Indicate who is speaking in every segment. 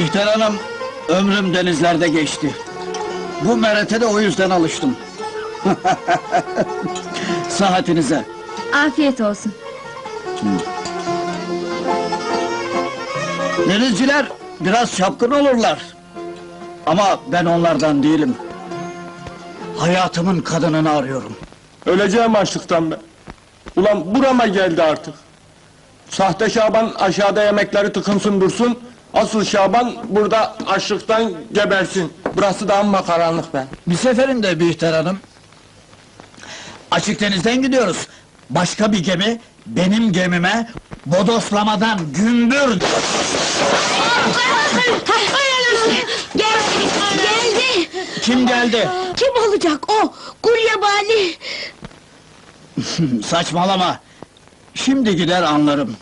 Speaker 1: Bihter Hanım, ömrüm denizlerde geçti. Bu merete de o yüzden alıştım. Sıhhatinize.
Speaker 2: Afiyet olsun.
Speaker 1: Denizciler biraz çapkın olurlar. Ama ben onlardan değilim. Hayatımın kadınını arıyorum.
Speaker 3: Öleceğim açlıktan be. Ulan burama geldi artık. Sahte Şaban aşağıda yemekleri tıkınsın dursun. Asıl Şaban burada açlıktan gebersin. Burası da amma karanlık be.
Speaker 1: Bir seferinde Bihter Hanım... Açık denizden gidiyoruz. Başka bir gemi, benim gemime... bodoslamadan gümbür...
Speaker 2: Geldi!
Speaker 1: Kim geldi?
Speaker 2: Kim olacak o? Gulyabani!
Speaker 1: Saçmalama! Şimdi gider anlarım.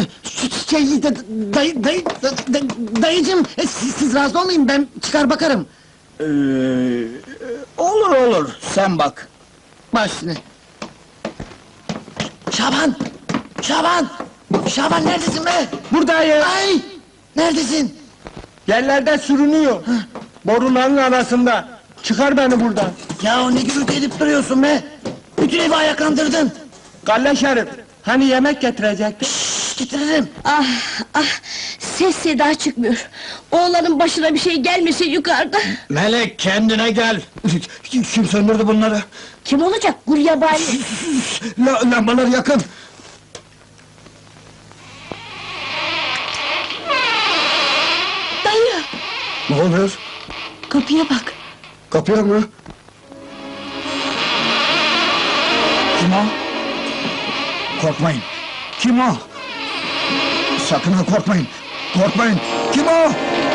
Speaker 4: Dayıcım, siz razı olmayın, ben çıkar bakarım.
Speaker 1: Olur olur, sen bak.
Speaker 4: Baş üstüne. Şaban! Şaban! Şaban neredesin be?
Speaker 3: Buradayım.
Speaker 4: Ay! Neredesin?
Speaker 3: Yerlerde sürünüyor. Boruların arasında. Çıkar beni buradan.
Speaker 4: Ya ne gürültü edip duruyorsun be? Bütün evi ayaklandırdın.
Speaker 3: Galle Şerif, hani yemek getirecektin?
Speaker 4: Getiririm.
Speaker 2: Ah ah! Ses seda çıkmıyor. Oğlanın başına bir şey gelmesin yukarıda.
Speaker 1: Melek, kendine gel! Kim söndürdü bunları?
Speaker 2: Kim olacak? Gulyabani!
Speaker 1: Lambalar yakın!
Speaker 2: Dayı!
Speaker 1: Ne oluyor?
Speaker 2: Kapıya bak!
Speaker 1: Kapıya mı? Kim o? Korkmayın! Kim o? Sakın ha korkmayın! Korkmayın! Kim o?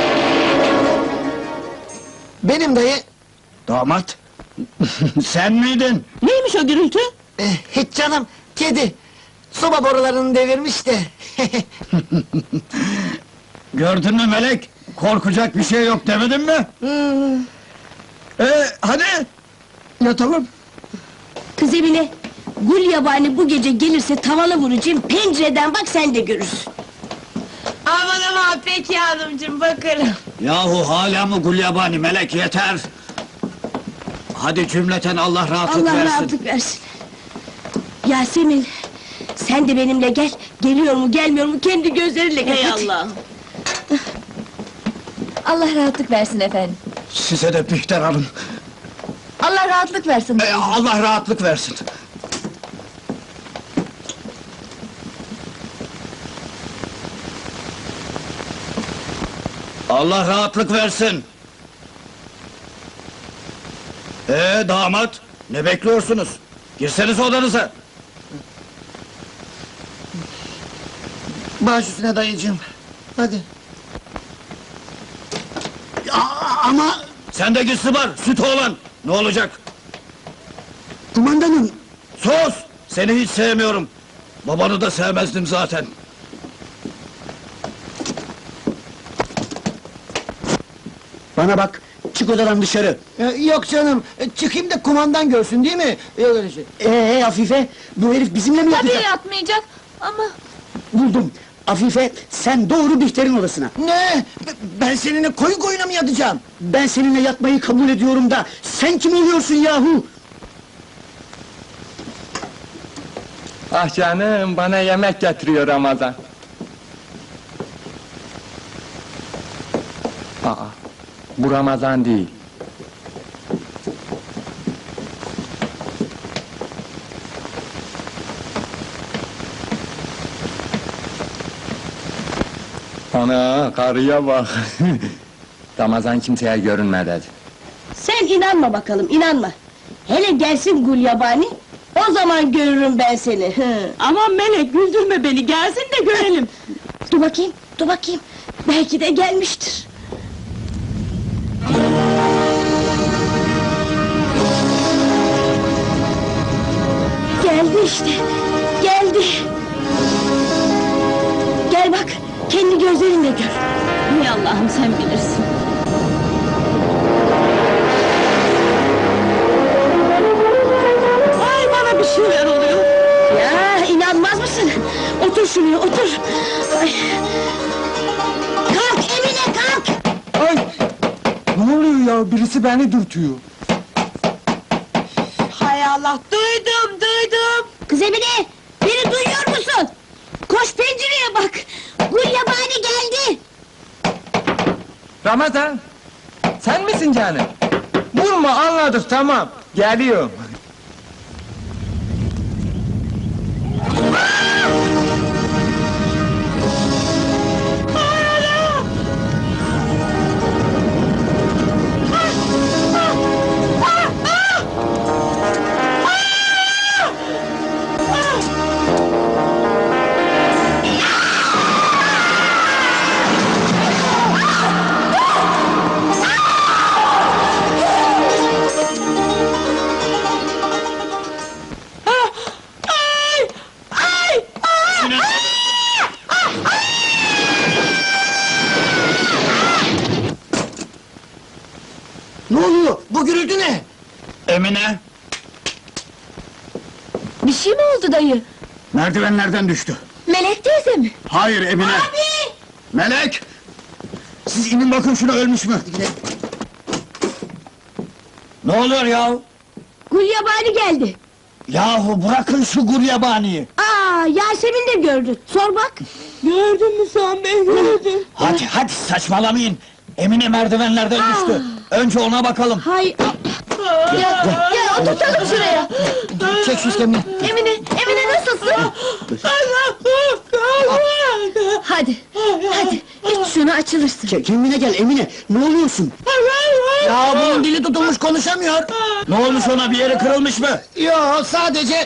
Speaker 4: Benim dayı.
Speaker 1: Damat! Sen miydin?
Speaker 2: Neymiş o gürültü?
Speaker 4: Hiç canım, kedi. Soba borularını devirmiş de.
Speaker 1: Gördün mü Melek? Korkacak bir şey yok demedim mi? Hadi! Yatalım!
Speaker 2: Kız Emine! Gulyabani bu gece gelirse tavana vuracağım, pencereden bak sen de görürsün!
Speaker 5: Aman aman peki hanımcığım bakarım.
Speaker 1: Yahu hala mı Gulyabani Melek yeter! Hadi cümleten Allah rahatlık
Speaker 2: Allah
Speaker 1: versin!
Speaker 2: rahatlık versin! Yasemin! Sen de benimle gel, geliyor mu gelmiyor mu kendi gözlerinle gör!
Speaker 5: Hey
Speaker 2: hadi.
Speaker 5: Allah'ım.
Speaker 2: Allah rahatlık versin efendim!
Speaker 1: Size de Bihter Hanım!
Speaker 2: Allah rahatlık versin!
Speaker 1: Allah rahatlık versin! Allah rahatlık versin! Damat! Ne bekliyorsunuz? Girseniz odanıza!
Speaker 4: Baş üstüne dayıcım. Hadi. Ama
Speaker 1: Sen de git Sıbar, süt oğlan! Ne olacak?
Speaker 4: kumandanım,
Speaker 1: Sus! Seni hiç sevmiyorum! Babanı da sevmezdim zaten! Bana bak, çık odadan dışarı!
Speaker 4: yok canım, çıkayım da kumandan görsün değil mi? Yok öyle şey. Afife, bu herif bizimle mi
Speaker 5: Tabii
Speaker 4: yatacak?
Speaker 5: yatmayacak ama...
Speaker 4: Buldum! Afife, sen doğru Bihter'in odasına! Ne? Ben seninle koyun koyuna mı yatacağım? Ben seninle yatmayı kabul ediyorum da, sen kim oluyorsun yahu?
Speaker 3: Ah canım, bana yemek getiriyor Ramazan. Aa, bu Ramazan değil. Ana, karıya bak! Ramazan kimseye görünmedi.
Speaker 2: Sen inanma bakalım, inanma! Hele gelsin Gulyabani, o zaman görürüm ben seni!
Speaker 5: Aman Melek güldürme beni gelsin de görelim.
Speaker 2: Dur bakayım, dur bakayım! Belki de gelmiştir! Geldi işte, geldi! Gel bak, kendi gözlerinle gör!
Speaker 5: Hay Allah'ım sen bilirsin. Ay bana bir şeyler oluyor.
Speaker 2: Ya inanmaz mısın? Otur şuraya, otur! Ay. Kalk Emine, kalk!
Speaker 3: Ne oluyor ya? Birisi beni dürtüyor.
Speaker 2: Hay Allah, duydum. Kız Emine, beni duyuyor musun? Koş pencereye bak. Gulyabani geldi.
Speaker 3: Ramazan, sen misin canım? Vurma, anladık, tamam. Geliyorum.
Speaker 4: Ne oluyor? Bu gürültü ne?
Speaker 1: Emine,
Speaker 2: Bir şey mi oldu dayı?
Speaker 1: merdivenlerden düştü.
Speaker 2: Melek teyze mi?
Speaker 1: Hayır Emine. Melek! Siz inin bakın şuna, ölmüş mü? Ne oluyor ya?
Speaker 2: Gulyabani geldi.
Speaker 1: Yahu bırakın şu gulyabaniyi.
Speaker 2: Aa, Yasemin de gördü. Sor bak.
Speaker 5: Gördün mü sen beni gördüm.
Speaker 1: Hadi saçmalamayın. Emine merdivenlerden düştü. Önce ona bakalım.
Speaker 2: Hay... Gel oturtalım şuraya.
Speaker 4: Çek şu iskemleyi.
Speaker 2: Emine nasılsın? Hadi, iç şunu açılırsın.
Speaker 4: Kendine gel Emine, ne oluyorsun? Ya bunun dili tutulmuş, konuşamıyor.
Speaker 1: Ne olmuş ona, bir yeri kırılmış mı?
Speaker 4: Yo, sadece...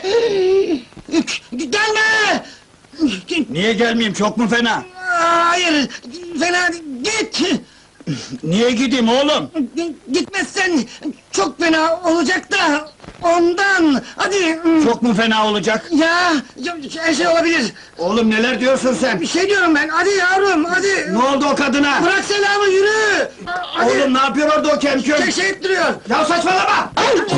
Speaker 4: Gelme!
Speaker 1: Niye gelmeyeyim, çok mu fena?
Speaker 4: Hayır, fena git!
Speaker 1: Niye gideyim oğlum?
Speaker 4: Gitmezsen çok fena olacak da ondan. Hadi.
Speaker 1: Çok mu fena olacak?
Speaker 4: Ya her şey olabilir.
Speaker 1: Oğlum neler diyorsun sen?
Speaker 4: Bir şey diyorum ben. Hadi yavrum, hadi.
Speaker 1: Ne oldu o kadına?
Speaker 4: Bırak selamı, yürü. Hadi.
Speaker 1: Oğlum ne yapıyor orada o kemküm?
Speaker 4: Şey ettiriyor.
Speaker 1: Ya saçmalama!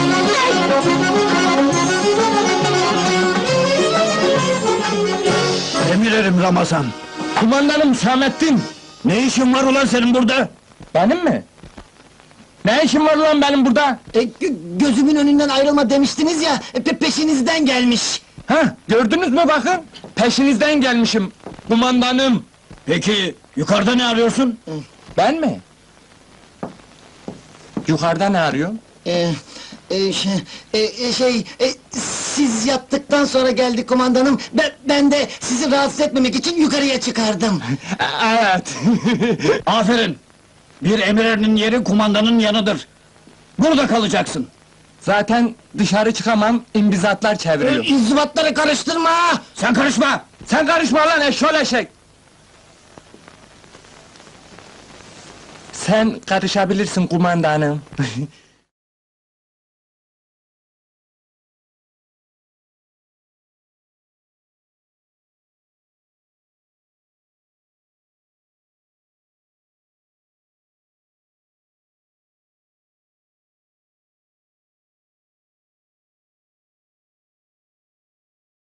Speaker 1: Emirlerim Ramazan.
Speaker 3: Kumandanım Samettin.
Speaker 1: Ne işin var ulan senin burada?
Speaker 3: Benim mi? Ne işim var lan benim burada?
Speaker 4: Gözümün önünden ayrılma demiştiniz ya, peşinizden gelmiş.
Speaker 3: Hah, gördünüz mü bakın? Peşinizden gelmişim. Kumandanım.
Speaker 1: Peki yukarıda ne arıyorsun?
Speaker 3: Ben mi? Yukarıda ne arıyorum?
Speaker 4: Siz yattıktan sonra geldi kumandanım. Ben de sizi rahatsız etmemek için yukarıya çıkardım.
Speaker 3: Evet.
Speaker 1: Aferin! Bir emirerinin yeri kumandanın yanıdır. Burada kalacaksın.
Speaker 3: Zaten dışarı çıkamam, imbizatlar çeviriyor.
Speaker 4: İnzibatları karıştırma!
Speaker 1: Sen karışma!
Speaker 3: Sen karışma lan eşşol eşek! Sen karışabilirsin kumandanım.